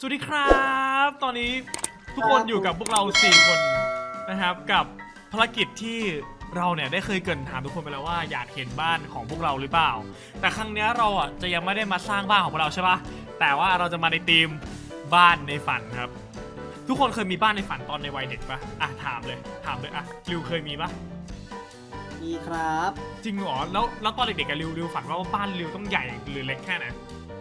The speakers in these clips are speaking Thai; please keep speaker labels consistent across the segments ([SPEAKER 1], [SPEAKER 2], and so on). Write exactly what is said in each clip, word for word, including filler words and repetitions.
[SPEAKER 1] สวัสดีครับตอนนี้ทุกคนอยู่กับพวกเราสี่คนนะครับกับภารกิจที่เราเนี่ยได้เคยเกริ่นถามทุกคนไปแล้วว่าอยากเห็นบ้านของพวกเราหรือเปล่าแต่ครั้งนี้เราอ่ะจะยังไม่ได้มาสร้างบ้านของพวกเราใช่ปะแต่ว่าเราจะมาในธีมบ้านในฝันครับทุกคนเคยมีบ้านในฝันตอนในวัยเด็กปะอ่ะถามเลยถามเลยอ่ะริวเคยมีปะ
[SPEAKER 2] มีครับ
[SPEAKER 1] จริงเหรอแล้วแล้วตอนเด็กๆกับริวริวฝันว่าบ้านริวต้องใหญ่หรือเล็กแค่ไหน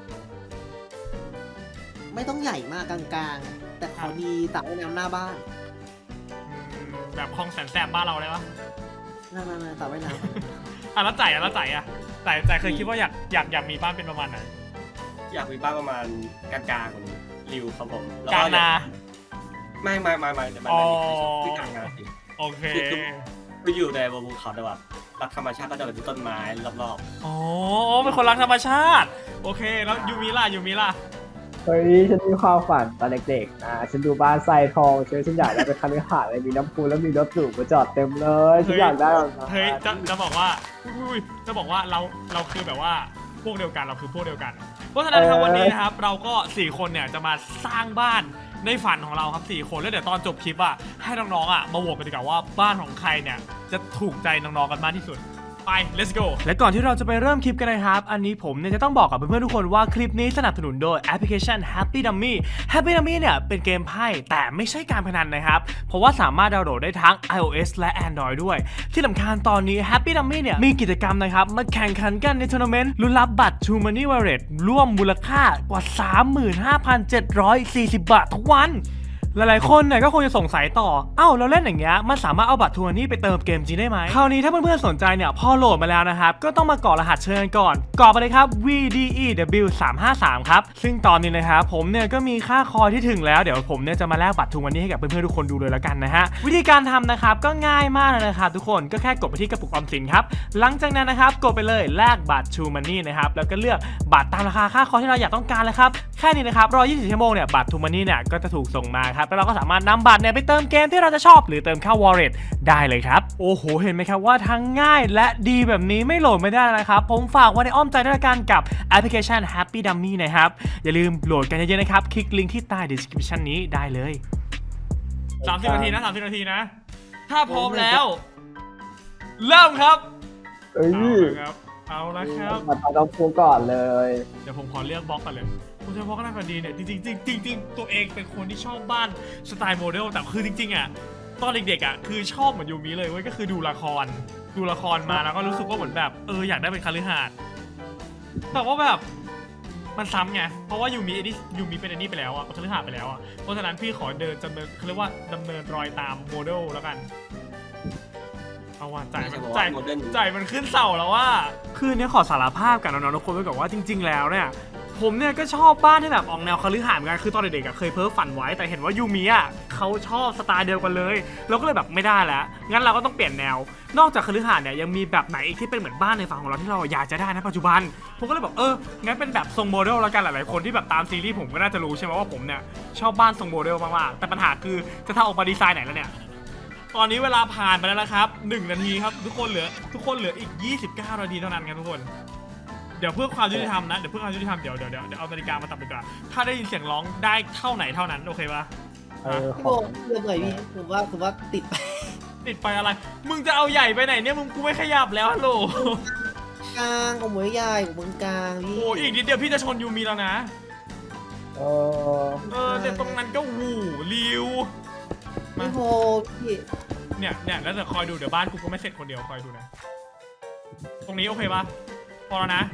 [SPEAKER 2] ไม่ต้องใหญ่มากกลางๆแต่ขอมีสระว่ายน้ำหน้าบ้าน
[SPEAKER 1] แบบคลองแสนแสบบ้านเราเลยปะ
[SPEAKER 2] นั่นๆๆสระว่ายน้
[SPEAKER 1] ำอ่ะแล้วใจอ่ะแล้วใจอ่ะแต่แต่เคยคิดว่าอยากอยากอยากมีบ้านเป็นประมาณไหน
[SPEAKER 3] อยากมีบ้านประมาณกลางๆของริวครับผม
[SPEAKER 1] กลางนา
[SPEAKER 3] ไม่ไม่ไม่ไม่แต่มันที่กลางนาสิ
[SPEAKER 1] โอเค
[SPEAKER 3] คืออยู่ในบนภูเขาแต่ว่ารักธรรมชาติก็จะเป็นต้นไม้รอบ
[SPEAKER 1] ๆอ๋อเป็นคนรักธรรมชาติโอเคแล้วยูมิล่ะยูมิล่ะ
[SPEAKER 4] เฮ้ยฉันมีความฝันตอนเด็กๆนะฉันดูบ้านทรายทองฉันฉันอยากได้เป็นคฤหาสน์เลยมีน้ำพุแล้วมีรถหรูมาจอดเต็มเลยฉันอยากได้แบบนั้น
[SPEAKER 1] เฮ้ยจะจะบอกว่าอุ้ยจะบอกว่าเราเราคือแบบว่าพวกเดียวกันเราคือพวกเดียวกันเพราะฉะนั้นครับวันนี้นะครับเราก็สี่คนเนี่ยจะมาสร้างบ้านในฝันของเราครับสี่คนแล้วเดี๋ยวตอนจบคลิปอ่ะให้น้องๆอ่ะมาโหวตกันดีกว่าว่าบ้านของใครเนี่ยจะถูกใจน้องๆกันมากที่สุดไป let's go และก่อนที่เราจะไปเริ่มคลิปกันนะครับอันนี้ผมเนี่ยจะต้องบอกกับเพื่อนๆทุกคนว่าคลิปนี้สนับสนุนโดยแอปพลิเคชัน Happy Dummy Happy Dummy เนี่ยเป็นเกมไพ่แต่ไม่ใช่การพนันนะครับเพราะว่าสามารถดาวน์โหลดได้ทั้ง iOS และ Android ด้วยที่สำคัญตอนนี้ Happy Dummy เนี่ยมีกิจกรรมนะครับมาแข่งขันกันในทัวร์นาเมนต์ลุ้นรับบัตร True Money Wallet ร่วมมูลค่ากว่า สามหมื่นห้าพันเจ็ดร้อยสี่สิบ บาททุกวันหลายๆคนเนี่ยก็คงจะสงสัยต่อเอ้าเราเล่นอย่างเงี้ยมันสามารถเอาบัตรทัวร์นี่ไปเติมเกมจริงได้ไหมคราวนี้ถ้าเพื่อนๆสนใจเนี่ยพอโหลดมาแล้วนะครับก็ต้องมากรอกรหัสเชิญก่อนกรอกไปเลยครับ วี ดี อี ดับเบิลยู สามห้าสาม ครับซึ่งตอนนี้นะครับผมเนี่ยก็มีค่าคอยที่ถึงแล้วเดี๋ยวผมเนี่ยจะมาแลกบัตรทัวร์นี่ให้กับเพื่อนๆทุกคนดูเลยแล้วกันนะฮะวิธีการทำนะครับก็ง่ายมากเลยนะครับทุกคนก็แค่กดไปที่กระปุกออมสินครับหลังจากนั้นนะครับกดไปเลยแลกบัตร True Money นะครับแล้วก็เลือกบัตรตามราคาค่าคอยที่เราอยากต้องการเลยครับแค่นี้นะครับรอยี่สิบชั่วโมงเนี่ยบัตร True Money เนี่ยก็จะถูกส่งมาครับแล้วเราก็สามารถนำบัตรเนี่ยไปเติมเกมที่เราจะชอบหรือเติมเข้า Wallet ได้เลยครับโอ้โหเห็นไหมครับว่าทั้งง่ายและดีแบบนี้ไม่โหลดไม่ได้นะครับผมฝากไว้ในอ้อมใจด้วยกันกับแอปพลิเคชัน Happy Dummy นะครับอย่าลืมโหลดกันเยอะๆนะครับคลิกลิงก์ที่ใต้ description นี้ได้เลยสามสิบนาทีนะสามสิบนาทีนะถ้าพร้อมแล้วเริ่มครับ
[SPEAKER 4] เอ้ย
[SPEAKER 1] ครับเอาละครับ
[SPEAKER 4] มาตอนเราพูก่อนเลย
[SPEAKER 1] เดี๋ยวผมขอเลือกบล็อกก่อนเลยผมจะบล็อกหน้าก็ดีเนี่ยจริงๆจริงๆจริงๆตัวเองเป็นคนที่ชอบบ้านสไตล์โมเดลแต่คือจริงๆอ่ะตอนเด็กๆอ่ะคือชอบเหมือนยูมิเลยเว้ยก็คือดูละครดูละครมาแล้วก็รู้สึกว่าเหมือนแบบเอออยากได้เป็นคฤหาสน์แต่ว่าแบบมันซ้ำไงเพราะว่ายูมิไอ้นี่ยูมิเป็นไอ้นี่ไปแล้วอ่ะเป็นคฤหาสน์ไปแล้วอ่ะเพราะฉะนั้นพี่ขอเดินจำเนินเขาเรียกว่าดำเนินรอยตามโมเดลแล้วกันเอาว่าจ่ายจ่ายจ่ายมันขึ้นเสาแล้วว่าคือเนี่ยขอสารภาพกับน้องๆทุกคนไว้ก่อนว่าจริงๆแล้วเนี่ยผมเนี่ยก็ชอบบ้านที่แบบออกแนวคฤหาสน์เหมือนกันคือตอนเด็กๆเคยเพ้อฝันไว้แต่เห็นว่ายูมิอ่ะเขาชอบสไตล์เดียวกันเลยเราก็เลยแบบไม่ได้แล้วงั้นเราก็ต้องเปลี่ยนแนวนอกจากคฤหาสน์เนี่ยยังมีแบบไหนอีกที่เป็นเหมือนบ้านในฝันของเราที่เราอยากจะได้นะปัจจุบันผมก็เลยบอกเอองั้นเป็นแบบทรงโมเดลแล้วกันหลายๆคนที่แบบตามซีรีส์ผมก็น่าจะรู้ใช่ไหมว่าผมเนี่ยชอบบ้านทรงโมเดลมากๆแต่ปัญหาคือจะทำออกมาดีไซน์ไหนแล้วเนี่ยตอนนี้เวลาผ่านไปแล้วนะครับหนึ่งนาทีครับทุกคนเหลือทุกคนเหลืออีกยี่สิบเก้านาทีเท่านั้นครับทุกคนเดี๋ยวเพื่อความยุติธรรมนะเดี๋ยวเพื่อความยุติธรรมเดี๋ยวเดี๋ยวเดี๋ยวเอานาฬิกามาตัดดีกว่าถ้าได้ยินเสียงร้องได้เท่าไหนเท่านั้นโอเคปะ
[SPEAKER 2] พี่โบเลือกหน่อยพี่ผมว่าผมว่าติดไป
[SPEAKER 1] ติดไปอะไรมึงจะเอาใหญ่ไปไหนเนี่ยมึงกูไม่ขยับแล้วฮัลโหล
[SPEAKER 2] กลางของหมวยใหญ่ของมึงกลางพี่
[SPEAKER 1] โอ้อีกนิดเดียวพี่จะชนยูมีแล้วนะ
[SPEAKER 4] เออ
[SPEAKER 1] เออแต่ตรงนั้นก็หูริว
[SPEAKER 2] พี่โบพี่
[SPEAKER 1] เนี่ยเนี่ยแล้วเดี๋ยวคอยดูเดี๋ยวบ้านกูก็ไม่เสร็จคนเดียวคอยดูนะตรงนี้โอเคปะพอแล้วนะ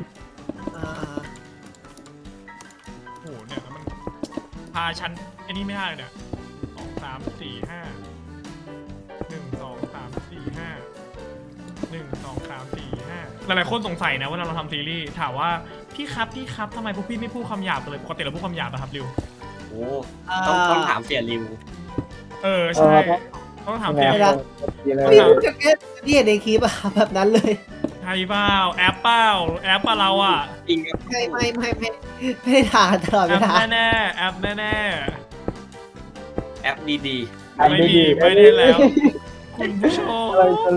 [SPEAKER 1] โอ้โหเนี่ยแล้วมันพาชั้นไอ้นี่ไม่ได้เลยเนี่ยสองสามสี่ห้าหนึ่งสองสามสี่ห้าหนึ่งสองสามสี่ห้าหลายๆคนสงสัยนะว่าเราทำซีรีส์ถามว่าพี่ครับพี่ครับทำไมพวกพี่ไม่พูดคำหยาบเลยปกติเราพูดคำหยาบอะครับริว
[SPEAKER 3] โอ้ต้องต้องถามเสียริว
[SPEAKER 1] เออใช่ต้องถามเสียริว
[SPEAKER 2] พี่พูดกับแค่ที่เห็นในคลิปอะแบบนั้นเลย
[SPEAKER 1] ใช่เปล่าแอปเปล่าแอปเปล่าเราอ่ะ
[SPEAKER 2] จริงไม่ไม่ไม่ไม่ไม่ได้ถ่ายตลอดเวลา
[SPEAKER 1] แน่แน่แอปแน่แน่
[SPEAKER 3] แอปดี
[SPEAKER 1] ๆไม่ดีไม่ได้แล้วคุณผู้ชม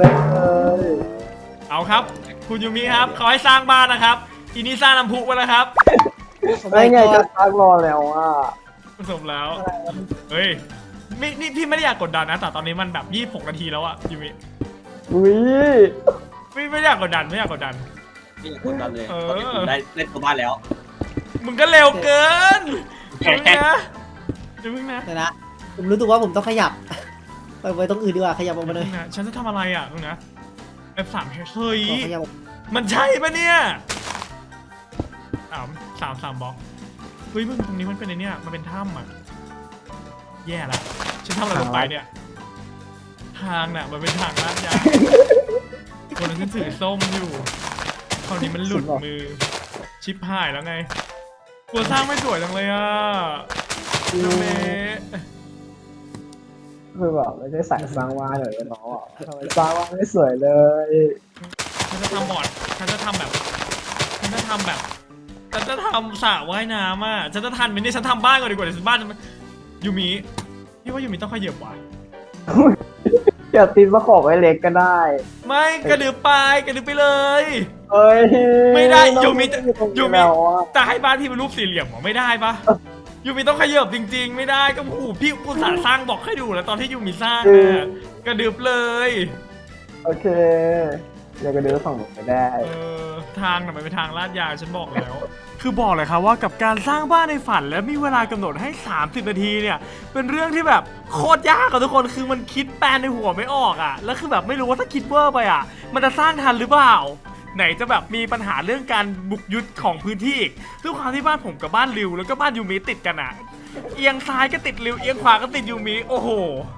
[SPEAKER 1] เอาครับคุณยูมิครับเขาให้สร้างบ้านนะครับอีนี่สร้างน้ำพุไว้แล้วครับ
[SPEAKER 4] ไม่ไงจะสร้างรอแล้วอ่ะ
[SPEAKER 1] สมแล้วเฮ้ยไม่นี่พี่ไม่ได้อยากกดดันนะแต่ตอนนี้มันแบบยี่สิบหกนาทีแล้วอะยูมิ
[SPEAKER 4] อุ้ย
[SPEAKER 1] ไม่ไม่อยากกดดันไม่อยากกดดัน
[SPEAKER 3] นี่กดดันเลย
[SPEAKER 1] เออ
[SPEAKER 3] ตอนนี้ผมได้เล่นตัวบ้านแล้ว
[SPEAKER 1] มึงก็เร็วเกินอย่าเพิ่งนะอย่าเพิ่งนะ
[SPEAKER 2] เดี๋ยวนะผมรู้ตัวว่าผมต้องขยับ ไปไว้ตรงอื่นดีกว่าขยับออกมาเลย
[SPEAKER 1] นะฉันจะทำอะไรอ่ะมึงนะ เอฟ สาม เฮ้ย
[SPEAKER 2] ขอขยับออก
[SPEAKER 1] มันใช่ปะเนี่ยสามสามสามบล็อกเฮ้ยมึงตรงนี้มันเป็นไอเนี่ยมันเป็นถ้ำอ่ะแย่ละฉันทำอะไรลงไปเนี่ย ทางน่ะมันเป็นทางลาดยางคนนั้นฉันถือส้มอยู่คราวนี้มันหลุดมือ ชิปหายแล้วไงกลัวสร้างไม่สวยจังเลยอ่ะน้องเมย์
[SPEAKER 4] คือแบบไม่ใช่สายสร้างว่านเลยน้องอ่ะทำไมสร้างว่านไม่สวยเลย
[SPEAKER 1] ฉันจะทำบอร์ดฉันจะทำแบบฉันจะทำแบบฉันจะทำสระว่ายน้ำอ่ะฉันจะทันไหมเนี่ยฉันทำบ้านก่อนดีกว่าเดี๋ยวฉันบ้านมันยูมิพี่ว่ายูมิต้องขยับว่ะ
[SPEAKER 4] อย่าตีมะขอบไว้เล็กก็ได้
[SPEAKER 1] ไม่กระดึบไปกระดึบไปเลย
[SPEAKER 4] เอ้ย
[SPEAKER 1] ไม่ได้ยูมิ
[SPEAKER 4] น้องตรงนี้
[SPEAKER 1] ยูมิ
[SPEAKER 4] แล้วอะ
[SPEAKER 1] จะให้บ้านพี่เป็นรูปสี่เหลี่ยมเหรอไม่ได้ปะยูมิต้องขยับจริง ๆ ไม่ได้ก็โอ้โหพี่อุตส่าห์สร้างบอกให้ดูแล้วตอนที่ยูมิสร้างน่ะกระดึบเลย
[SPEAKER 4] โอเคเดี๋ยวก็ดูฝั่งหนูไม่ได้
[SPEAKER 1] เออทางน่ะมันเป็นทางลาดยางฉันบอกแล้ว คือบอกเลยครับว่ากับการสร้างบ้านในฝันและมีเวลากำหนดให้สามสิบนาทีเนี่ยเป็นเรื่องที่แบบโคตรยากอะทุกคนคือมันคิดแปลนในหัวไม่ออกอะแล้วคือแบบไม่รู้ว่าถ้าคิดเวอร์ไปอะมันจะสร้างทันหรือเปล่า ไหนจะแบบมีปัญหาเรื่องการบุกยึดของพื้นที่อีกด้วยความที่บ้านผมกับบ้านริวแล้วก็บ้านยูมิติดกันอะเอียงซ้ายก็ติดริวเอียงขวาก็ติดยูมิโอ้โห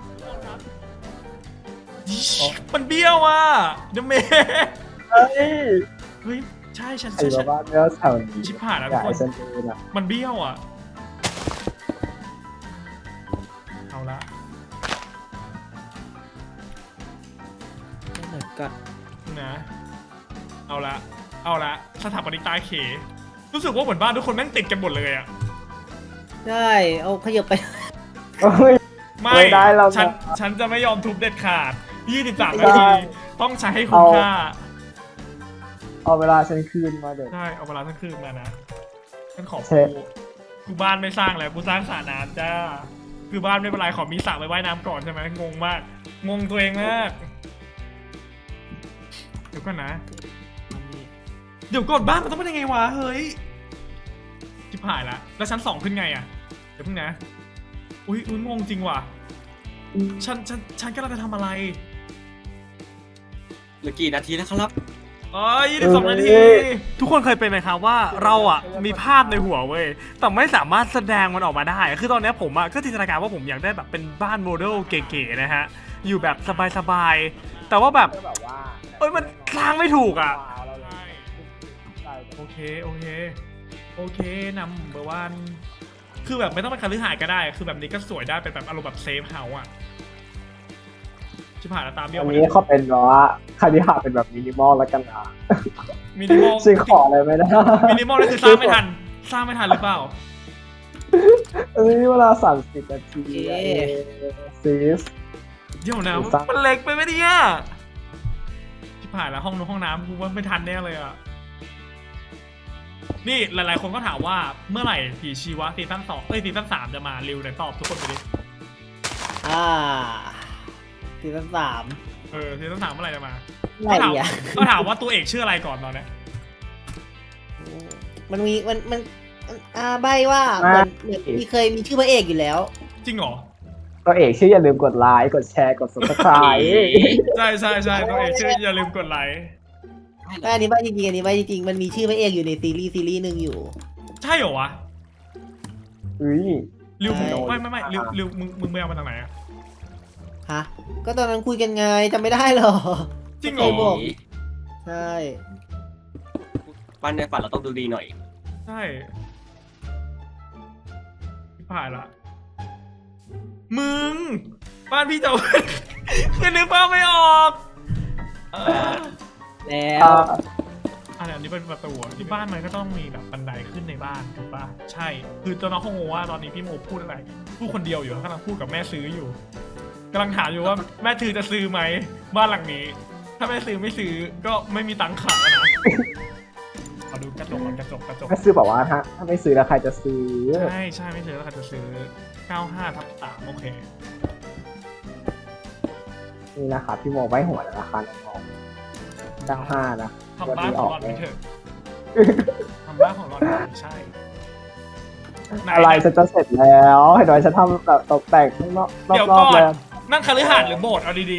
[SPEAKER 1] มันเบี้ยวอะเดเม
[SPEAKER 4] เฮ้ย
[SPEAKER 1] เฮ้ยใช่ฉัน
[SPEAKER 4] ไอ้
[SPEAKER 1] ใช่ฉัน
[SPEAKER 4] บ้านเนื้อแถวนี้
[SPEAKER 1] ชิบหายแล้ว
[SPEAKER 4] อ
[SPEAKER 1] ทุ
[SPEAKER 4] ยาก
[SPEAKER 1] กค
[SPEAKER 4] ให้
[SPEAKER 1] น
[SPEAKER 4] ฉันดูนะ
[SPEAKER 1] มันเบี้ยวอ่ะ เอาละ
[SPEAKER 2] เหมือนกัน
[SPEAKER 1] นะ เอาละ เอาละสถาปนิกตาเข รู้สึกว่าเหมือนบ้านทุกคนแม่งติดกันหมดเลยอ่ะ
[SPEAKER 2] ได้เอาขยับไป
[SPEAKER 4] เฮ้ย
[SPEAKER 1] ไม่
[SPEAKER 4] ไม่ได้เรา
[SPEAKER 1] ฉัน
[SPEAKER 4] จะ
[SPEAKER 1] ฉันจะไม่ยอมทุบเด็ดขาดยี่สิบสาม
[SPEAKER 4] ไม่
[SPEAKER 1] นา
[SPEAKER 4] ได้
[SPEAKER 1] ที ต้องใช้ให้คุ้มค่า
[SPEAKER 4] เอาเวลาฉันคืนมาเดี๋ยว
[SPEAKER 1] ใช่ เอาเวลาทั้งคืนมานะ ฉันขอ
[SPEAKER 4] เช็
[SPEAKER 1] กู
[SPEAKER 4] ค
[SPEAKER 1] กูบ้านไม่สร้างแล้ว กูสร้างสระน้ำจ้า คือบ้านไม่เป็นไร ขอมีสระไว้ว่ายน้ำก่อนใช่ไหมงงมาก งงตัวเองมาก เดี๋ยวก่อนนะ เดี๋ยวก่อนบ้านมันต้องเป็นยังไงวะ เฮ้ยชิบหายละ แล้วชั้นสองขึ้นไงอ่ะ เดี๋ยวเพิ่งนะ อุ้ยอุ้ยงงจริงว่ะ ฉัน ฉัน ฉันกำลังจะทำอะไร
[SPEAKER 3] เหลือกี่นาทีแล้วครับ
[SPEAKER 1] อ๋อยี่สิบสองนาที ทุกคนเคยเป็นไหมครับว่าเราอ่ะมีภาพในหัวเว้ย แต่ไม่สามารถแสดงมันออกมาได้ คือตอนนี้ผมอ่ะก็จินตนาการว่าผมอยากได้แบบเป็นบ้านโมเดลเก๋ๆนะฮะ อยู่แบบสบายๆ แต่ว่าแบบ
[SPEAKER 4] แบบว่า
[SPEAKER 1] เอ้ยมันสร้างไม่ถูกอ่ะ
[SPEAKER 4] เราเลย
[SPEAKER 1] โอเค โอเค โอเคนำเบอร์วัน คือแบบไม่ต้องเป็นคฤหาสน์ก็ได้ คือแบบนี้ก็สวยได้ เป็นแบบอารมณ์แบบเซฟเฮาส์อ่ะ ชิบหายแล้วตามเบี้ยว
[SPEAKER 4] อัน
[SPEAKER 1] ไป
[SPEAKER 4] นี้เขาเป็นแบบว่าคาริหาเป็นแบบมินิมอลแล้วกันนะ
[SPEAKER 1] มินิมอล
[SPEAKER 4] ซื้อขออะไรไม่ได้
[SPEAKER 1] มินิมอลนี่คือสร้างไม่ทัน สร้างไม่ทันหรือเปล่า
[SPEAKER 4] เอ้ยเวลาสามสิบนาทีซีส
[SPEAKER 1] เดี๋ยวนะ
[SPEAKER 4] สร้าง
[SPEAKER 1] มันเล็กไปไหมเนี่ยชิบหายแล้วห้องนู้นห้องน้ำกูว่าไม่ทันแน่เลยอ่ะ นี่หลายๆคนก็ถามว่าเมื่อไหร่ผีชีวะซีซั่นสองเอ้ยซีซั่นสามจะมาเร็วไหนตอบทุกคนไปดิ
[SPEAKER 2] อ่าซีซั่นสาม
[SPEAKER 1] เออซีซั่นสามเมื่อไหร่จะมา
[SPEAKER 2] อะไร
[SPEAKER 1] ก็ถาม
[SPEAKER 2] อ่ะ
[SPEAKER 1] ก็ถามว่าตัวเอกชื่ออะไรก่อนตอนเนี้ย
[SPEAKER 2] มันมีมันมันอ่าใบว่าเหมือนเหมือนมีเคยมีชื่อพระเอกอยู่แล้ว
[SPEAKER 1] จริงเหรอ
[SPEAKER 4] ตัวเอกชื่ออย่าลืมกดไลค์กดแชร์กด subscribe
[SPEAKER 1] ใช่ใช่ใช่ตัวเอกชื่ออย่าลืมกดไลค์
[SPEAKER 2] แต่อันนี้ใบจริงๆอันนี้ใบจริงๆมันมีชื่อพระเอกอยู่ในซีรีส์ซีรีส์หนึ่งอยู่
[SPEAKER 1] ใช่เหรอวะ
[SPEAKER 4] อุ้ย
[SPEAKER 1] ริวมึง
[SPEAKER 2] ใช่
[SPEAKER 1] ไม่ไม่ไม่ริวริวมึงมึงไปเอามาจากไหนอะ
[SPEAKER 2] ฮะก็ตอนนั้นคุยกันไงจำไม่ได้หรอ
[SPEAKER 1] จริงเหร
[SPEAKER 2] เค
[SPEAKER 1] อ
[SPEAKER 2] ยบอก ใช่
[SPEAKER 3] บ้านในฝันเราต้องดูดีหน่อย
[SPEAKER 1] ใช่ที่ผ่านละ มึง บ้านพี่เจ้า คือนึกภาพไม่ออกเออ
[SPEAKER 2] แล้ว
[SPEAKER 4] อ่า
[SPEAKER 1] อันนี้เป็นประตูอะที่บ้านมันก็ต้องมีแบบบันไดขึ้นในบ้านถูกปะใช่ คือตัวน้องคงงงว่าตอนนี้พี่โมพูดอะไร พูดคนเดียวอยู่กำลังพูดกับแม่ซื้ออยู่กำลังถามอยู่ว่าแม่ถือจะซื้อไหมบ้านหลังนี้ ถ้าแม่ซื้อไม่ซื้อก็ไม่มีตังค์ขายนะขอดูกันจกก่อนกระจกกระจก
[SPEAKER 4] ไม่ซื้อบอกว่าถ้าถ้าไม่ซื้อแล้วใครจะซื้อ
[SPEAKER 1] ใช่ใช่ไม่ซื้อแล้วค่ะจะซื้อเก้าห้าทับสามโอเค
[SPEAKER 4] นี่นะครับพี่โมไว้หัวแล้วราคาน้องเก้าห้านะ
[SPEAKER 1] ทำบ้านของหลอนไม่เถอะทำบ้านของหลอนไม่ใช่หน
[SPEAKER 4] อะไรฉันจะเสร็จแล้วเห็นไหมฉันทำแบบตกแต่งข้างนอกร
[SPEAKER 1] เดี๋ยว
[SPEAKER 4] อ
[SPEAKER 1] ก่
[SPEAKER 4] บ
[SPEAKER 1] อ
[SPEAKER 4] ๆเล
[SPEAKER 1] น
[SPEAKER 4] ย
[SPEAKER 1] นั่งคฤหาสน์หรือโบสถ์เอาดี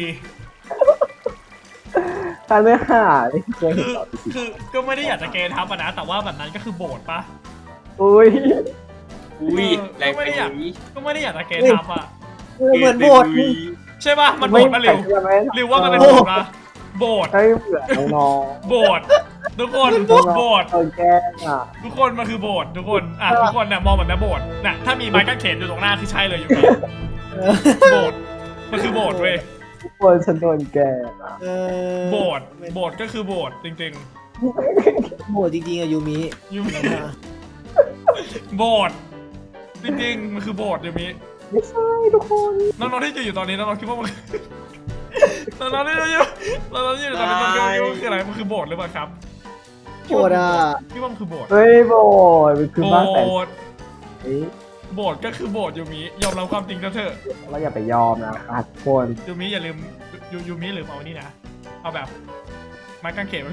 [SPEAKER 4] การไม่หาไม่เคย
[SPEAKER 1] ๆ
[SPEAKER 4] เห็
[SPEAKER 1] คื
[SPEAKER 4] น
[SPEAKER 1] อ
[SPEAKER 4] ต่อไปสิ
[SPEAKER 1] คือก็ไม่ได้อยากจะเกณฑ์ทับอะนะ แต่ว่าแบบนั้นก็คือโบสถ์ปะ
[SPEAKER 4] อุ้ย
[SPEAKER 3] อุ้ย
[SPEAKER 1] เออ
[SPEAKER 3] แรงไป
[SPEAKER 1] ก็ไม่ได้อยาก
[SPEAKER 3] นี้
[SPEAKER 1] ก็ไม่ได้อยากจะเกณฑ์ทับอะ
[SPEAKER 2] เออเหมือนโบสถ์
[SPEAKER 3] อุ้ย
[SPEAKER 1] ใช่ปะมันโบสถ์ปะริว
[SPEAKER 4] แต่ไม่
[SPEAKER 1] ริวว่ามันเป็น
[SPEAKER 4] โบ
[SPEAKER 1] โบ
[SPEAKER 4] ส
[SPEAKER 1] สถ์นะโบสถ์
[SPEAKER 4] ให้เหมือนน้อง
[SPEAKER 1] โบสถ์ทุกคน
[SPEAKER 4] ๆ
[SPEAKER 1] โบสถ์
[SPEAKER 4] โดนแกล้งอ่ะ
[SPEAKER 1] ทุกคนมันคือโบสถ์ทุกคนอ่ะทุกคนเนี่ยมองแบบนี้โบสถ์น่ะถ้ามีไม้กางเขนอยู่ตรงหน้าคือใช่เลยอยู่นี่
[SPEAKER 2] เออ
[SPEAKER 1] โบสถ์มันคือโบสถ์เว้ย
[SPEAKER 4] ทุกคนฉันโดนแกล้งอ่ะ
[SPEAKER 2] เออ
[SPEAKER 1] โบสถ์โบสถ์ก็คือโบสถ์จริง
[SPEAKER 2] โบสถ์จริงๆอะยูมิ
[SPEAKER 1] ๆยูมิโบสถ์จริงๆมันคือโบสถ์ยูมิ
[SPEAKER 4] ไม่ใช่ทุกคน
[SPEAKER 1] น้องๆที่อยู่ตอนนี้น้องๆคิดว่ามัน น้องๆที่อยู่น้องๆที่อยู่ตอนนี้น้องๆคิดว่ามันคืออะไรมันคือโบสถ์หรือเปล่าครับ
[SPEAKER 2] โบสถ์อะ
[SPEAKER 1] คิดว่ามันคือโบสถ์
[SPEAKER 4] เฮ้ยโบสถ์มันคือ
[SPEAKER 1] โบ
[SPEAKER 4] บ้านแต่
[SPEAKER 1] สถ์
[SPEAKER 4] เฮ้ย
[SPEAKER 1] โบสถ์ก็คือโบสถ์ยูมิยอมรับความจริงเถอะ
[SPEAKER 4] เราอย่าไปยอมนะคะทุกคน
[SPEAKER 1] ยูมิอย่าลืมยูยูมิลืมเอานี่นะเอาแบบไม้กางเขนมัน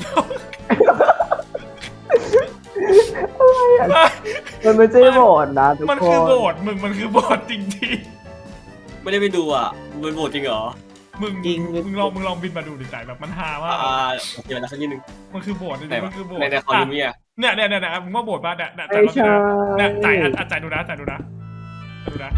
[SPEAKER 4] มันไม่ใช่โบสถ์นะทุกคน
[SPEAKER 1] มันคือโบสถ์มึงมันคือโบสถ์จริง
[SPEAKER 3] ไม่ได้ไปดูอ่ะมันเป็นโบสถ์จริงเหรอ
[SPEAKER 1] ๆมึงมึงลองมึงลองบินมาดูดิใจแบบมันฮาว่า
[SPEAKER 3] อ่าเดี๋ยวนะสักนิดนึง
[SPEAKER 1] มันคือโบสถ์จริ
[SPEAKER 3] ไหน
[SPEAKER 1] งๆ
[SPEAKER 3] วะ
[SPEAKER 1] มันคือโบสถ์
[SPEAKER 3] ในในคอมมีอ่ะ
[SPEAKER 1] เนี่ยเนี่ยเนี่ยเนี่ยมึงว่าโบสถ์ป่ะเนี่ยเนี่ย
[SPEAKER 4] ไม่ใช่
[SPEAKER 1] เนี่ยจ่ายอ่ะจ่ายดูนะจ่ายดูนะดูนะ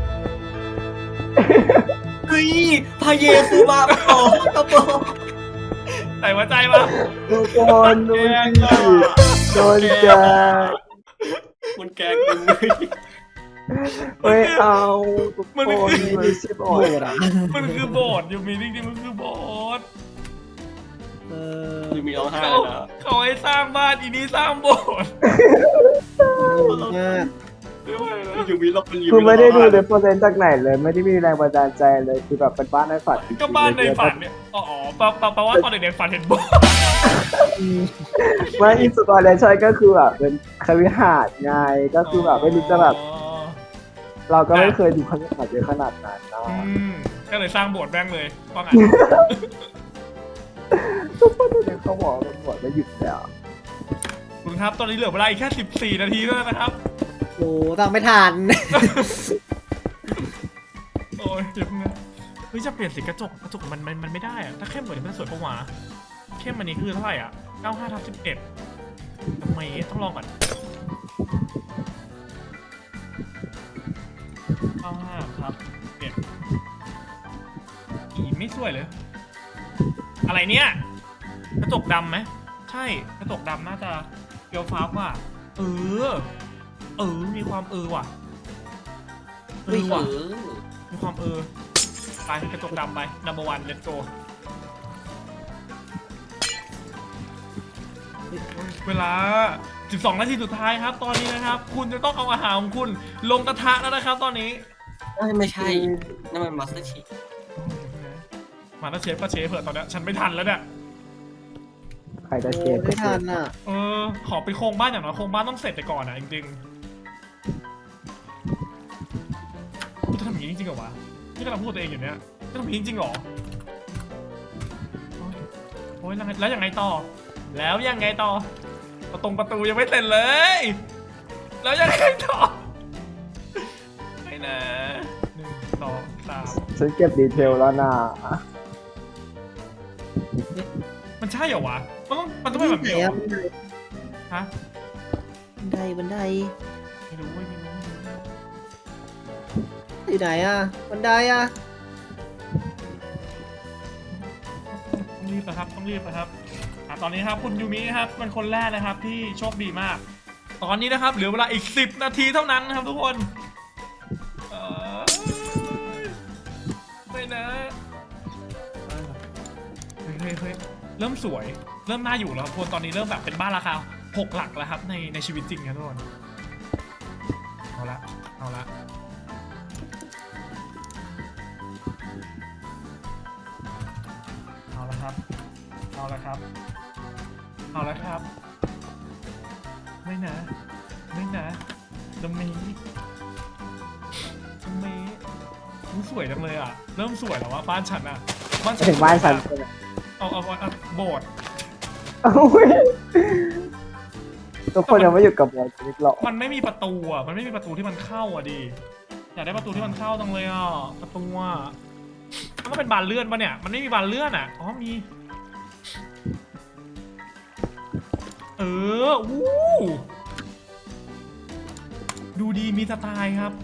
[SPEAKER 3] เฮ้ยพระเยซูมาขอกระโปรง
[SPEAKER 1] จ่ายหัวใจป่ะ
[SPEAKER 4] ทุกคนดูสิโดนแกล้ง
[SPEAKER 3] มันแกงกูเลย
[SPEAKER 4] เฮ้ยเอาทุกคนไม่ใช่โบ
[SPEAKER 2] โบ
[SPEAKER 4] ส
[SPEAKER 2] ส
[SPEAKER 4] ถ์
[SPEAKER 2] ถ์อะ
[SPEAKER 1] มันคือโบสถ์ยูมิจริงๆมันคือโบสถ์
[SPEAKER 2] เออ
[SPEAKER 3] คือมีร้องไห้
[SPEAKER 1] เขา
[SPEAKER 3] นะ
[SPEAKER 1] เขาให้สร้างบ้านอีนี่สร้างโบสถ์
[SPEAKER 2] มาก
[SPEAKER 1] ไม่ไหวแล้ว
[SPEAKER 3] อยู่มีรอบเป็นอยู่
[SPEAKER 4] คือไม่ได้ดูเรฟเฟอร์เรนซ์จากไหนเลย ไม่ได้มีแรงบันดาลใจเลยคือแบบเป็นบ้านในฝันจริงๆ
[SPEAKER 1] ก็บ้านในฝันเนี่ยอ๋อแปลแปลว่าตอนเด็กๆฝันเห็นโบสถ์
[SPEAKER 4] ไม่อินสปายเลชันก็คือแบบเป็นคฤหาสน์ไงก็คือแบบไม่รู้จะแบบ
[SPEAKER 1] อ๋อ
[SPEAKER 4] เราก็ไม่เคยดูคฤหาสน์เยอะขนาดนั้นนะ
[SPEAKER 1] อืมก็เลยสร้างโบสถ์แม่งเลยว่าไง
[SPEAKER 4] ทุกคนดูเนี่ยเขาบอกเป็นบทไม่หยุดเลยอ่ะ
[SPEAKER 1] คุณครับตอนนี้เหลือเวลาอีกแค่สิบสี่นาทีเท่านั้นนะครับ
[SPEAKER 2] โอ้ตั้งไม่ทัน
[SPEAKER 1] โอ้ยเจ็บนะเฮ้ยจะเปลี่ยนสีกระจกกระจกมันมันมันไม่ได้อะถ้าเข้มกว่านี้มันสวยปะวะเข้มอันนี้คือเท่าไหร่อ่ะเก้าห้าทับสิบเอ็ดทำไมต้องลองก่อนเก้าห้าครับเอ็ดอีไม่สวยเลย อะไรเนี่ยกระจกดำไหมใช่กระจกดำน่าจะเกียวฟ้ากว่าเออเออมีความเออว่ะเอ
[SPEAKER 3] เฮ้ย
[SPEAKER 1] อ
[SPEAKER 3] เอ
[SPEAKER 1] ว่ะ
[SPEAKER 3] อ
[SPEAKER 1] มีความเออไปกระจกดำไป number one let's go เวลา สิบสอง นาทีสุดท้ายครับ ตอนนี้นะครับ คุณจะต้องเอาอาหารของคุณลงกระทะแล้วนะครับตอนนี้
[SPEAKER 3] เอ้ยไม่ใช่นั่นมันมาสเตอร์ชีฟ
[SPEAKER 1] มาแล้วเชฟก็เชฟเผื่อะตอนเนี้ยฉันไม่ทันแล้วเนี่ย
[SPEAKER 4] ใครจะ
[SPEAKER 2] โอ้
[SPEAKER 4] เชฟ
[SPEAKER 2] ไม่ทันอ่ะ
[SPEAKER 1] เออ ขอไปโครงบ้านอย่างน้อยโครงบ้านต้องเสร็จไปก่อนอะจริงๆกูจะทำอย่างนี้จริงๆเหรอวะที่กำลังพูดตัวเองอยู่เนี้ยจะทำอย่างนี้จริงๆเหรอโอ้ยโอ้ยแล้วไงแล้วยังไงต่อ แล้วยังไงต่อประตูประตูยังไม่เสร็จเลย แล้วยังไงต่อไม่นะหนึ่งสองสาม
[SPEAKER 4] ฉันเก็บดีเทลแล้วนะ
[SPEAKER 1] มันใช่เหรอวะมันต้องมันต้องเป็นแบบ
[SPEAKER 2] ไหน
[SPEAKER 1] นี้เหร
[SPEAKER 2] อะ
[SPEAKER 1] อฮะ
[SPEAKER 2] บันไดบันได
[SPEAKER 1] ไม่รู้เว้ยไม่รู้
[SPEAKER 2] อยู่ไหนอะบันไดอะ
[SPEAKER 1] ต้องรีบนะครับต้องรีบนะครับอ่ะตอนนี้ครับคุณยูมิครับเป็นคนแรกนะครับที่โชคดีมาก ตอนนี้นะครับเหลือเวลาอีกสิบนาทีเท่านั้นนะครับทุกคนเอ่อไม่นะเฮ้ยเฮ้ยเฮ้ยเริ่มสวยเริ่มน่าอยู่แล้วครับทุกคนตอนนี้เริ่มแบบเป็นบ้านราคาหกหลักแล้วครับในในชีวิตจริงครับทุกคนเอาละเอาละเอาละครับเอาละครับเอาละครับไม่นะไม่นะดมีดมีอู้สวยจังเลยอ่ะเริ่มสวยแล้ววะบ้านฉันอ่ะบ้านฉัน
[SPEAKER 4] ถึงบ้านฉันใช่ไหม
[SPEAKER 1] เอาเอาเอาเอาโบสถ์
[SPEAKER 4] โอ้ยทุกคนยังไม่หยุดกับบอลชีวิตหรอก
[SPEAKER 1] มันไม่มีประตูอ่ะมันไม่มีประตูที่มันเข้าอ่ะดิอยากได้ประตูที่มันเข้าจังเลยอ่ะประตูอ่ะมันก็เป็นบานเลื่อนปะเนี่ยมันไม่มีบานเลื่อนอ่ะอ๋อมีเอออู้ดูดีมีสไตล์ครับ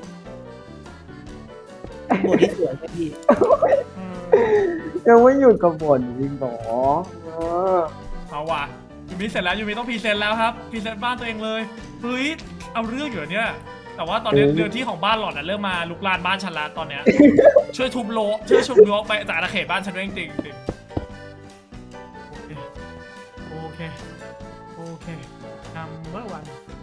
[SPEAKER 2] เป็นบทที่สวยใช่พี่
[SPEAKER 1] เออ
[SPEAKER 4] ยังไม่หยุดกับบอลจริงเหรอเออ
[SPEAKER 1] เอาว่ะยูมิเสร็จแล้วยูมิต้องพรีเซนต์แล้วครับพรีเซนต์บ้านตัวเองเลยเฮ้ยเอาเรื่องอยู่เนี่ย แต่ว่าตอนนี้เนื้อที่ของบ้านหลอดเริ่มมาลุกลานบ้านฉันแล้วตอนเนี้ย ช่วยทุบโลช่วยชุบโลไปจากอาณาเขตบ้านฉันด้วยจริงจริงโอเคโอเคนัมเบอร์วัน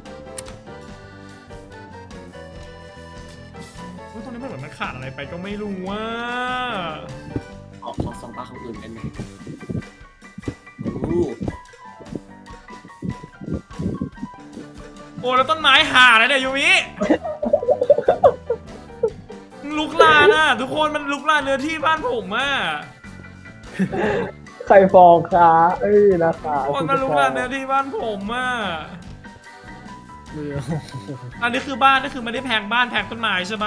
[SPEAKER 1] ตรงนี้มันเหมือนมันขาดอะไรไปก็ไม่รู้ว่า
[SPEAKER 3] ออกขอสองบ้านของอื่นได้ไหมอู้
[SPEAKER 1] โอ้แล้วต้นไม้ห่าอะไรเนี่ยยูมิลุกลานอ่ะทุกคนมันลุกลานเนื้อที่บ้านผมอ่ะ
[SPEAKER 4] ใครฟองคะเอ้ยนะคะ
[SPEAKER 1] คนมันลุกลานเนื้อที่บ้านผมอ่ะอันนี้คือบ้านนี่คือไม่ได้แพงบ้านแพงต้นไม้ใช่ปะ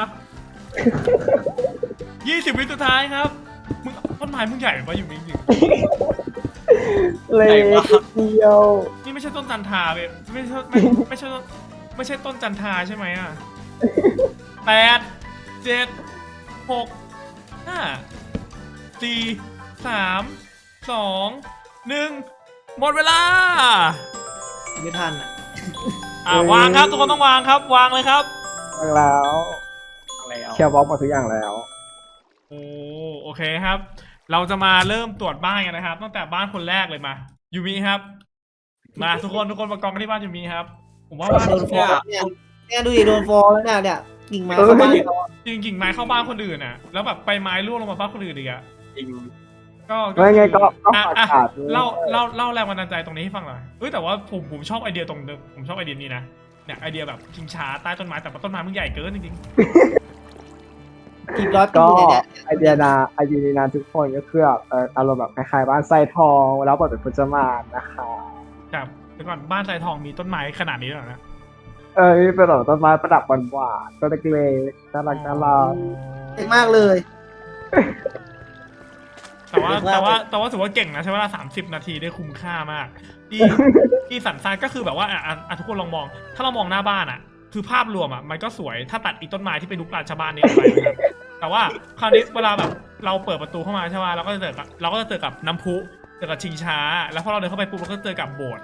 [SPEAKER 1] ยี่สิบวิสุดท้ายครับมึงต้นไม้มึงใหญ่ปะอยู่จริง
[SPEAKER 4] เล็กเดียว
[SPEAKER 1] ๆนี่ไม่ใช่ต้นจันทราเลยไม่ใช่ไม่ไม่ใช่ต้นไม่ใช่ต้นจันทราใช่ไหมอ่ะแปดเจ็ดหกห้าสี่สามสองหนึ่งหมดเวลา
[SPEAKER 2] ไม่ทันอ่ะ
[SPEAKER 1] อ่าวางครับทุกคนต้องวางครับ วางเลยครับ
[SPEAKER 4] แล้ว
[SPEAKER 3] อะไรเอา
[SPEAKER 4] เคลียร์บล็อกหมดทุกอย่างแล้ว
[SPEAKER 1] โอ้โอเคครับ เราจะมาเริ่มตรวจบ้านกันนะครับตั้งแต่บ้านคนแรกเลยมายูมิครับ มาทุกคนทุกคนมากองกันที่บ้านยูมิครับ ผมว่าบ้าน
[SPEAKER 2] โดนฟองเนี่ยเนี่ยดูดิโดนฟองแล้วเนี่ยเนี่ยกิ่งไม้เข้าบ้านเราอะ
[SPEAKER 1] จริงจริงๆไม้เข้าบ้านคนอื่นน่ะแล้วแบบไปไม้ร่วงลงมาบ้านคนอื่นอีกอะ
[SPEAKER 3] จริง
[SPEAKER 1] ก็
[SPEAKER 4] ไม่ไงก็ก็
[SPEAKER 1] อ่ะ
[SPEAKER 4] ขาด
[SPEAKER 1] อ่ะ
[SPEAKER 4] ขาด
[SPEAKER 1] เล่าเล่าเล่าแรงบันดาลใจตรงนี้ให้ฟังหน่อยเอ้ยแต่ว่าผมผมชอบไอเดียตรงนึงผมชอบไอเดียนี้นะเนี่ยไอเดียแบบชิงช้าใต้ต้นไม้แต่ว่าต้นไม้มันใหญ่เกินจริง
[SPEAKER 2] กี่ร้อยปี
[SPEAKER 4] ก็
[SPEAKER 2] เลยเนี่ย
[SPEAKER 4] ไอเดียนาไอเดียนีนาทุกคนก็คือแบบเอ่ออารมณ์แบบคล้ายๆบ้านไส้ทองแล้วแบบเป็นพจมานนะคะ
[SPEAKER 1] ๆครับเดี๋ยวก่อนบ้านทรายทองมีต้นไม้ขนาดนี้ด้วยเหรอนะ
[SPEAKER 4] เออนี่เป็นแบบต้นไม้ประดับหวานๆต้นเล็กๆน่ารักน่ารัก
[SPEAKER 2] เก่งมากเลย
[SPEAKER 1] แต่ว่า
[SPEAKER 2] เรียกว่า
[SPEAKER 1] แต่ว่าแต่ว่าถือว่าเก่งนะใช้เวลาสามสิบนาทีได้คุ้มค่ามากที่ ที่สันทรายก็คือแบบว่าอ่ะอ่ะอ่ะทุกคนลองมอง ถ้าเรามองหน้าบ้านอ่ะ คือภาพรวมอ่ะมันก็สวยถ้าตัดอีต้นไม้ที่เป็นลุกลานชาวบ้านนี้ออกไปนะครับแต่ว่าคราวนี้เวลาแบบเราเปิดประตูเข้ามาใช่ไหมเราก็จะเจอกับเราก็จะเจอกับน้ำพุเจอกับชิงช้า แล้วพอเราเดินเข้าไปปุ๊บเราก็เจอกับโบสถ์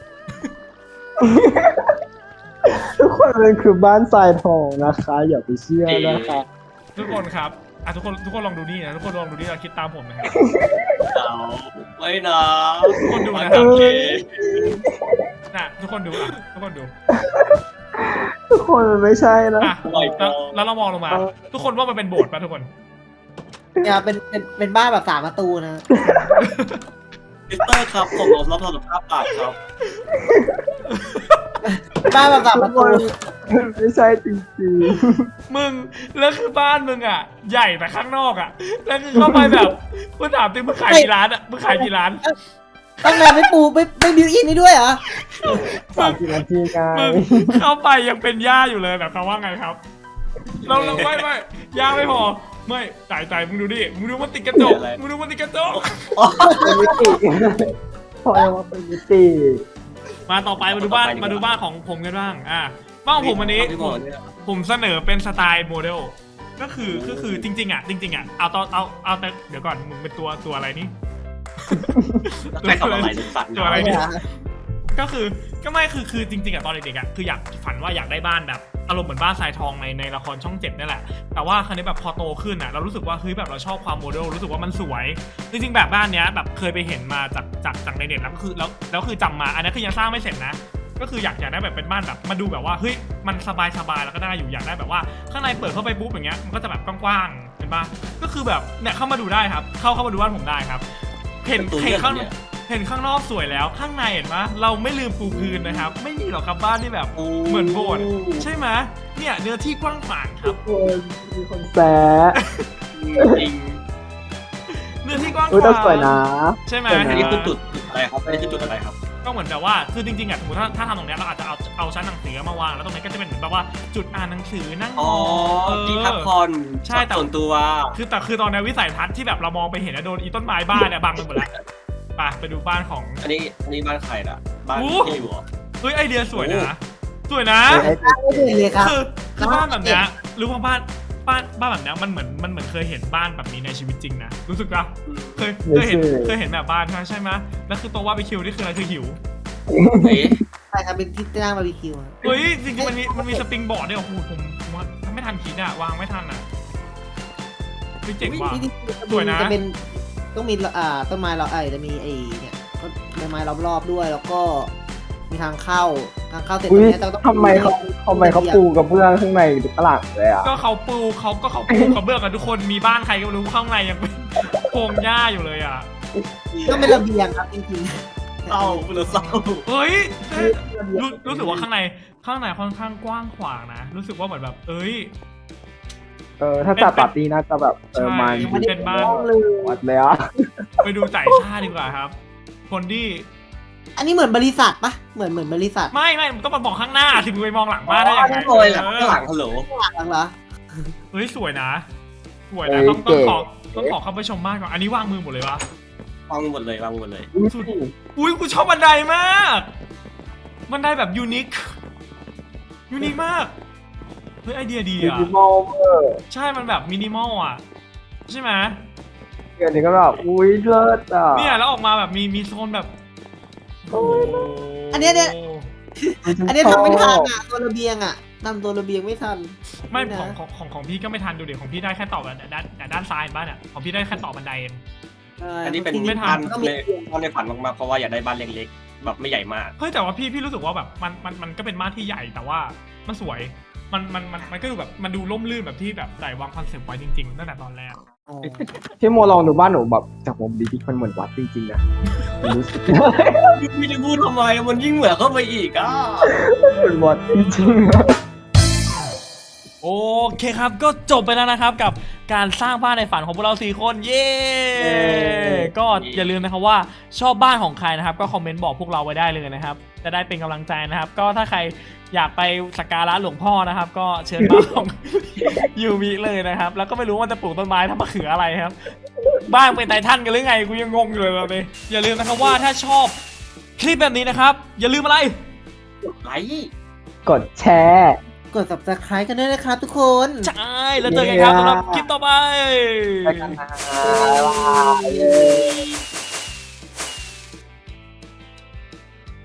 [SPEAKER 4] ทุกคนมันคือบ้านทรายทองนะคะ อย่าไปเชื่อนะคะ
[SPEAKER 1] ทุกคนครับอ่ะทุกคนทุกคนลองดูนี่นะทุกคนลองดูนี่เราคิดตามผมนะครับ
[SPEAKER 3] เอาไม่นะ
[SPEAKER 1] ทุกคนดูนะครับ
[SPEAKER 3] โอเค
[SPEAKER 1] น่ะทุกคนดูอ่ะทุกคนดู
[SPEAKER 4] ทุกคนมันไม่ใช่นะ
[SPEAKER 1] อ่ะแล้วแล้วเรามองลงมา ทุกคนว่ามันเป็นโบสถ์ป่ะทุกคน
[SPEAKER 2] เนี่ยเป็นเป็นเป็นบ้านแบบสามประตูนะ
[SPEAKER 3] มิสเตอร์ครับผมรับรับภาพบาทครับ
[SPEAKER 2] บ้านแบบสามประตู
[SPEAKER 4] มันไม่ใช่จริง
[SPEAKER 1] มึงแล้วคือบ้านมึงอ่ะ ใหญ่แต่ข้างนอกอ่ะแล้วคือเข้าไปแบบมึงถามจริงมึงขายกี่ร้านอ่ะมึงขายกี่ร้าน
[SPEAKER 2] ตั้งแต่ไม่ปูไม่ไม่บิวอินนี่ด้วยเหรอ
[SPEAKER 4] ๆสามสิบนาทีไง
[SPEAKER 1] มึงเข้าไปยังเป็นหญ้าอยู่เลยแบบเขาว่าไงครับ เราเราไม่ไม่หญ้าไม่พอไม่ตายตายมึงดูดิมึงดูมันติดกระจกมึงดูมันติดกระจก
[SPEAKER 4] เป็นมิติเพราะว่าเป็นมิติ
[SPEAKER 1] มาต่อไปมาดูบ้านมาดูบ้านของผมกันบ้างอ่ะบ้านของผมวันนี้
[SPEAKER 3] พี่
[SPEAKER 1] ผ
[SPEAKER 3] บอ
[SPEAKER 1] ม
[SPEAKER 3] กเนี่ย
[SPEAKER 1] ผมเสนอเป็นสไตล์โมเดลก็คือก็คือจริงๆอ่ะจริงๆอ่ะเอาตอนเอาเอาแต่เดี๋ยวก่อนมึงเป็นตัวตัวอะไรนี่
[SPEAKER 3] ใครทำอะไรในฝัน
[SPEAKER 1] ตัวอะไร
[SPEAKER 3] นะ
[SPEAKER 1] เนี่ย ก็คือก็ไม่คือคือจริงๆอะตอนเด็กๆอะคืออยากฝันว่าอยากได้บ้านแบบอารมณ์เหมือนบ้านทรายทองในในละครช่องเจ็ดนี่แหละแต่ว่าครั้นี้แบบพอโตขึ้นอะเรารู้สึกว่าเฮ้ยแบบเราชอบความโมเดลรู้สึกว่ามันสวยจริงๆแบบบ้านเนี้ยแบบเคยไปเห็นมาจากจากจากในเน็ตแล้วก็คือแล้วแล้วคือจำมาอันนี้คือยังสร้างไม่เสร็จนะ ก็คืออยากอยากได้แบบเป็นบ้านแบบมาดูแบบว่าเฮ้ยมันสบายสบายแล้วก็ได้อยู่อยากได้แบบว่าข้างในเปิดเข้าไปปุ๊บอย่างเงี้ยมันก็จะแบบกว้างๆเห็นปะก็คือแบบเนี่ยเข้ามาดูได้ครับ เข้าเข้ามาดูบ้านผมได้ครับเห็น
[SPEAKER 3] ตัว
[SPEAKER 1] เห็
[SPEAKER 3] เลื
[SPEAKER 1] น
[SPEAKER 3] อก
[SPEAKER 1] เข้า
[SPEAKER 3] เนี่ย
[SPEAKER 1] เห็นข้างนอกสวยแล้วข้างในเห็นไหมเราไม่ลืมปูพื้นนะครับ ไม่มีหรอกครับบ้านที่แบบเหมือนโบสถ์ใช่ไหมเนี่ยเนื้อที่กว้างขวางครับ
[SPEAKER 4] คนมีคนแซะ
[SPEAKER 3] จริง
[SPEAKER 1] เนื้อที่กว้างข
[SPEAKER 4] อุ้ยแต่
[SPEAKER 1] วาง
[SPEAKER 4] สวยนะ
[SPEAKER 1] ใช่ไหม
[SPEAKER 4] สวย
[SPEAKER 3] อัน
[SPEAKER 4] นะ
[SPEAKER 3] นี้คือจุดจุดอะไรครับอันนี้คือจุดอะไรครับ
[SPEAKER 1] ก็เหมือนแบบว่าคือจริงๆอ่ะสมมติถ้าถ้าทำตรงเนี้ยเราอาจจะเอาเอาชั้นหนังสือมาวางแล้วตรงนี้ก็จะเป็นเหมือนแบบว่าจุดอ่านหนังสือนั่ง
[SPEAKER 3] อ๋อ
[SPEAKER 1] เออ
[SPEAKER 3] ที่พักผ่อน
[SPEAKER 1] ใช่แต่
[SPEAKER 3] ส่วนตัว
[SPEAKER 1] คือแต่คือตอนนี้วิสัยทัศน์ที่แบบเรามองไปเห็นนะโดนอีต้นไม้บ้านเนี่ยบังไปหมดแล้วไปไปดูบ้านของ
[SPEAKER 3] อันนี้อันนี้บ้านใครล่ะบ้าน
[SPEAKER 1] โอ้
[SPEAKER 3] ที่อยู่เหรอ
[SPEAKER 1] เฮ้ยไอเดียสวยนะสวยนะ
[SPEAKER 4] ไอ้
[SPEAKER 2] ไม่เห็นเลยครับ
[SPEAKER 1] คือคือบ้านแบบเนี้ยรู้ว่าบ้านบ้านบ้านแบบเนี้ยมันเหมือนมันเหมือนเคยเห็นบ้านแบบนี้ในชีวิตจริงนะรู้สึกปะเคยเคยเห็นเคยเห็นแบบบ้านใช่ไหมแล้วคือตัวว่าไปคิวนี่คืออะไรคือหิว
[SPEAKER 3] เอ๊ะ
[SPEAKER 2] ใช่ครับเป็นที่ตั้งบาร์บีคิวอะ
[SPEAKER 1] เฮ้ยจริงๆมันมีมันมีสปริงบอร์ดด้วยโอ้โหผมผมว่าไม่ทันคิดอะวางไม่ทันอะเฮ้ยเจ๋งว่ะ
[SPEAKER 2] ที่ที่
[SPEAKER 1] สวยนะ
[SPEAKER 2] จะเป็นต้องมีอ่าต้นไม้เราไอ้จะมีไอ้เนี่ยต้นไม้รอบๆด้วยแล้วก็มีทางเข้าทางเข้าเสร็จตร
[SPEAKER 4] อุ้
[SPEAKER 2] ง
[SPEAKER 4] ย
[SPEAKER 2] เนี้ยต้อง
[SPEAKER 4] ทำไมเขาทำไมเขาปูกระเบื้องข้างในข้างหลังเลยอ่ะ
[SPEAKER 1] ก็เขาปูเขาก็เขาปูกระเบื้องกันทุกคนมีบ้านใครก็ไม่รู้ข้างในยังเป็นโพรงหญ้าอยู่เลยอะ
[SPEAKER 2] ก็เป็นระเบียงครับจริง
[SPEAKER 3] เศร้าหรือเศร้า
[SPEAKER 1] เฮ้ยรู้รู้สึกว่าข้างในข้างในค่อนข้างกว้างขวางนะรู้สึกว่าเหมือนแบบเอ้ย
[SPEAKER 4] เออถ้าจัดปาร์ตี้น่าจะแบบเออมัน
[SPEAKER 1] ใช่ เป็นบ้าน
[SPEAKER 2] เลย
[SPEAKER 4] วัดเลยอ่ะ
[SPEAKER 1] ไปดูจ่ายชาดีกว่าครับ คนที่
[SPEAKER 2] อันนี้เหมือนบริษัทปะเหมือนเหมือนบริษัท
[SPEAKER 1] ไม่ไม่ต้องมามองข้างหน้าสิมึงไปมองหลังบ้านได้ยังไง
[SPEAKER 3] โรยหลังข้างหลังฮัลโหล
[SPEAKER 2] หลังเหรอ
[SPEAKER 1] เฮ้ยสวยนะสวยนะต้องต้องขอต้องขอเข้าไปชมบ้านก่อนอันนี้วางมือหมดเลยวะ
[SPEAKER 3] วางหมดเลยวางหมดเลย
[SPEAKER 1] สุดอุ้ยกูชอบบันไดมากบันไดแบบยูนิคยูนิคมากเฮ้ยไอเดียดี
[SPEAKER 4] มิ
[SPEAKER 1] อ่ะ
[SPEAKER 4] นิมอลเวอร์
[SPEAKER 1] ใช่มันแบบมินิมอลอ่ะใช่ไหม
[SPEAKER 4] เดี๋ยวนี้ก็แบบอุ้ยเลิศอ่ะ
[SPEAKER 1] เนี่ยแล้วออกมาแบบมีมีโซนแบบ
[SPEAKER 4] โอ้ย
[SPEAKER 2] อันเนี้ยเนี่ยอันนี้ทำไม่ทันอ่ะตัวระเบียงอ่ะทำตัวระเบียงไม่ทัน
[SPEAKER 1] ไม่
[SPEAKER 2] นะ
[SPEAKER 1] ของของของของพี่ก็ไม่ทันดูดิของพี่ได้แค่ต่อแบบด้านแต่ด้านซ้ายบ้านอ่ะของพี่ได้แค่ต่อบันไดเอง
[SPEAKER 2] ใช่
[SPEAKER 3] อันนี้เป็น
[SPEAKER 2] จริงๆ
[SPEAKER 1] ไม่ทั
[SPEAKER 3] บ้าน น
[SPEAKER 2] ก็มี
[SPEAKER 3] ในบ้านในฝันมากๆเพราะว่าอยากได้บ้านเล็กๆแบบไม่ใหญ่มาก
[SPEAKER 1] เฮ้ยแต่ว่าพี่พี่รู้สึกว่าแบบมันมันมันก็เป็นบ้านที่ใหญ่แต่ว่ามันสวยมันมันมันมันก็ดูแบบมันดูร่มรื่นแบบที่แบบใจวางคอนเซปต์ไว้จริงๆตั้งแต่ตอนแรก
[SPEAKER 2] อ๋อ
[SPEAKER 4] ที่โมลองดูบ้านหนูแบบจากมุมดีๆมันเหมือนวัดจริงๆนะรู้สึก
[SPEAKER 3] พี่จะพูดทำไมมันยิ่งเหมือนเข้าไปอีกอ่ะ
[SPEAKER 4] เหมือนวัดจริงๆอะ
[SPEAKER 1] โอเคครับก็จบไปแล้วนะครับกับการสร้างบ้านในฝันของพวกเราสี่คนเย้ก็อย่าลืมนะครับว่าชอบบ้านของใครนะครับก็คอมเมนต์บอกพวกเราไว้ได้เลยนะครับจะได้เป็นกำลังใจนะครับก็ถ้าใครอยากไปสักการะหลวงพ่อนะครับก็เชิญบ้านของ ยูมิเลยนะครับแล้วก็ไม่รู้ว่าจะปลูกต้นไม้ทำมะเขืออะไรครับบ้านเป็นไททันกันหรือไงกูยังงงอยู่เลยแบบนี้อย่าลืมนะครับว่าถ้าชอบคลิปแบบนี้นะครับอย่าลืมอะไร
[SPEAKER 3] ไหล
[SPEAKER 4] กดแชร์
[SPEAKER 2] กด subscribe กันด้วยนะครับทุกคน
[SPEAKER 1] ใช่แล้วเจอกันครับสำหรับคลิปต่อไป
[SPEAKER 4] ไปกันนะ